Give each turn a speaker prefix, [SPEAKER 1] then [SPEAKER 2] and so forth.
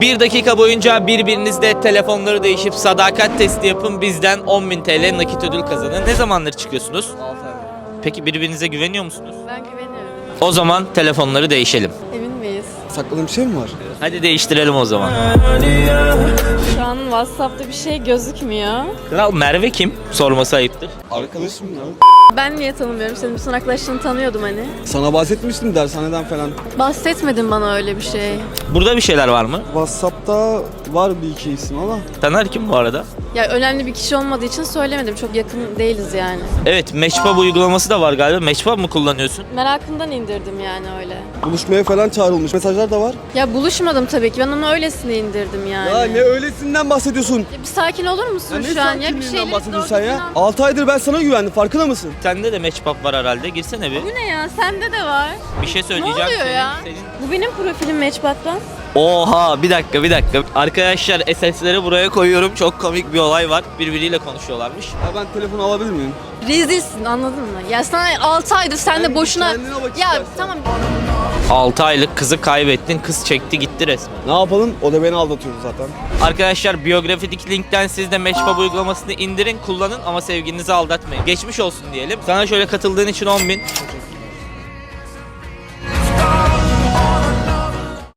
[SPEAKER 1] 1 dakika boyunca birbirinizle telefonları değişip sadakat testi yapın, bizden 10.000 TL nakit ödül kazanın. Ne zamandır çıkıyorsunuz?
[SPEAKER 2] 6 ay.
[SPEAKER 1] Peki birbirinize güveniyor musunuz?
[SPEAKER 3] Ben güveniyorum.
[SPEAKER 1] O zaman telefonları değişelim.
[SPEAKER 3] Emin miyiz?
[SPEAKER 2] Sakladığım bir şey mi var?
[SPEAKER 1] Hadi değiştirelim o zaman.
[SPEAKER 3] Şu an WhatsApp'ta bir şey gözükmüyor.
[SPEAKER 1] Kral Merve kim? Sorması ayıptır.
[SPEAKER 2] Arkadaşım ya.
[SPEAKER 3] Ben niye tanımıyorum? Senin bütün arkadaşlarını tanıyordum hani.
[SPEAKER 2] Sana bahsetmiştim dershaneden falan.
[SPEAKER 3] Bahsetmedin bana öyle bir şey.
[SPEAKER 1] Burada bir şeyler var mı?
[SPEAKER 2] WhatsApp'ta var bir iki isim ama.
[SPEAKER 1] Taner kim bu arada?
[SPEAKER 3] Ya önemli bir kişi olmadığı için söylemedim. Çok yakın değiliz yani.
[SPEAKER 1] Evet, Matchpub uygulaması da var galiba. Matchpub mı kullanıyorsun?
[SPEAKER 3] Merakımdan indirdim yani öyle.
[SPEAKER 2] Buluşmaya falan çağrılmış. Mesajlar da var.
[SPEAKER 3] Ya buluşmadım tabii ki. Ben onu öylesine indirdim yani.
[SPEAKER 2] Ya ne öylesinden bahsediyorsun?
[SPEAKER 3] Ya bir sakin olur musun
[SPEAKER 2] Ya ne
[SPEAKER 3] şu an? Ya bir
[SPEAKER 2] sakinliğinden
[SPEAKER 3] şeyleri
[SPEAKER 2] bahsediyorsun
[SPEAKER 3] doğru
[SPEAKER 2] sen ya?
[SPEAKER 3] düzgün
[SPEAKER 2] 6 aydır ben sana güvendim, farkında mısın?
[SPEAKER 1] Sende de Matchpub var herhalde. Girsene bir.
[SPEAKER 3] Bu ne ya? Sende de var.
[SPEAKER 1] Bir şey
[SPEAKER 3] Ne
[SPEAKER 1] söyleyeceğim.
[SPEAKER 3] oluyor ya?
[SPEAKER 1] Senin...
[SPEAKER 3] Bu benim profilim Matchbox'tan.
[SPEAKER 1] Oha, bir dakika. Arkadaşlar SS'leri buraya koyuyorum. Çok komik bir olay var. Birbiriyle konuşuyorlarmış.
[SPEAKER 2] Ya ben telefonu alabilir miyim?
[SPEAKER 3] Rezilsin, anladın mı? Ya sana 6 aydır sen de
[SPEAKER 2] Sen
[SPEAKER 3] boşuna...
[SPEAKER 2] kendine bak
[SPEAKER 3] Ya
[SPEAKER 2] istersen.
[SPEAKER 3] tamam.
[SPEAKER 1] 6 aylık kızı kaybettin. Kız çekti gitti resmen.
[SPEAKER 2] Ne yapalım? O da beni aldatıyordu zaten.
[SPEAKER 1] Arkadaşlar biyografideki linkten siz de Matchpub uygulamasını indirin, kullanın ama sevgilinizi aldatmayın. Geçmiş olsun diyelim. Sana şöyle katıldığın için 10.000.